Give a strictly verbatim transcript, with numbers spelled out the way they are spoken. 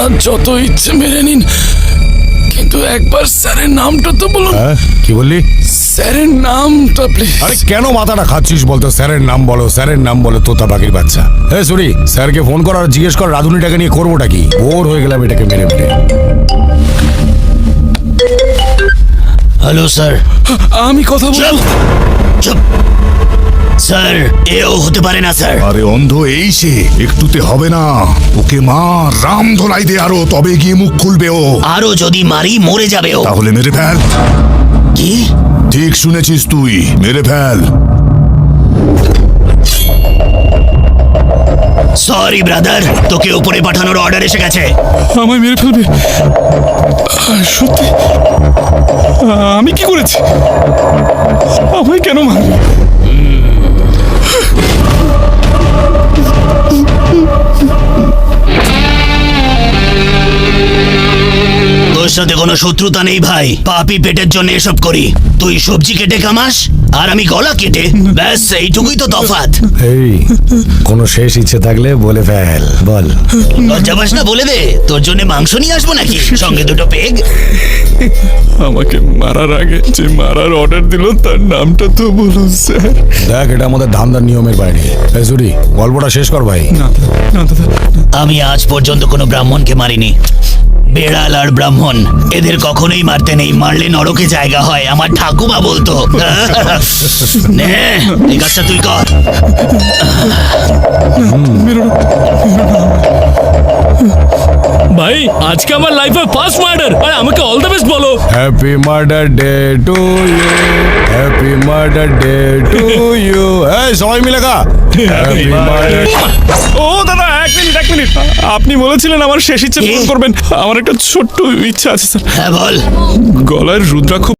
আর যত ইচ্ছে মেরে নিন, কিন্তু একবার স্যারের নামটা তো বলুন। হ্যাঁ কি বললি? স্যারের নামটা প্লিজ। আরে কেন মাথাটা খাচ্ছিস বলতো? স্যারের নাম বলো, স্যারের নাম বলো, তোতা পাখির বাচ্চা। হ্যাঁ সরি, স্যারকে ফোন কর আর জিজ্ঞেস কর রাধুনিটাকে নিয়ে করবোটা কি। বোর হয়ে গেলাম এটাকে মেরে মেরে। Hello sir. আমি কথা বলবো। চুপ স্যার, এও হতে পারে না স্যার। আরে অন্ধ এই সে, একটুতে হবে না। ওকে মা রাম ধোলাই দে আরো, তবে গিয়ে মুখ খুলবে ও। আরো যদি মারি মরে যাবে ও। তাহলে মেরে ফেল। কি? ঠিক শুনেছিস তুই, মেরে ফেল। সরি ব্রাদার, তোকে উপরে পাঠানোর অর্ডার এসে গেছে। আমায় মেরে ফেলবে? সত্যি? আমি কি করেছি? আমায় কেন মারবে? তোর সাথে কোনো শত্রুতা নেই ভাই, পাপি পেটের জন্য এসব করি। তুই সবজি কেটে কামাস আর আমি গলা কেটে, ব্যাস এইটুকুই তো তফাৎ। এই কোনো শেষ ইচ্ছে থাকলে বলে ফেল, বল। লজ্জা পাস না? বলে দে, তোর জন্য মাংস নিয়ে আসবো নাকি, সঙ্গে দুটো পেগ। আমাকে মারার আগে যে মারার অর্ডার দিল তার নামটা তো বলুন স্যার। দেখ এটা আমাদের ধান্দার নিয়মের বাইরে। এই সরি, গল্পটা শেষ কর ভাই। না না দাদা, আমি আজ পর্যন্ত কোনো ব্রাহ্মণকে মারিনি। বেড়াল আর ব্রাহ্মণ এদের কখনোই মারতে নেই, মারলে নরকে জায়গা হয়, আমার ঠাকুমা বলতো। নে এই কাজটা তুই কর। ভাই আজকে আমার লাইফে ফার্স্ট মার্ডার, আর আমাকে অল দ্য বেস্ট বলো। Happy murder day to you, happy murder day to you. এই সবাই মিলে গা হ্যাপি মার্ডার। ও দাদা এক মিনিট এক মিনিট, আপনি বলেছিলেন আমার শেষ ইচ্ছে পূরণ করবেন। আমার একটা ছোট্ট ইচ্ছা আছে স্যার। হ্যাঁ বল। গলায় রুদ্রাক্ষ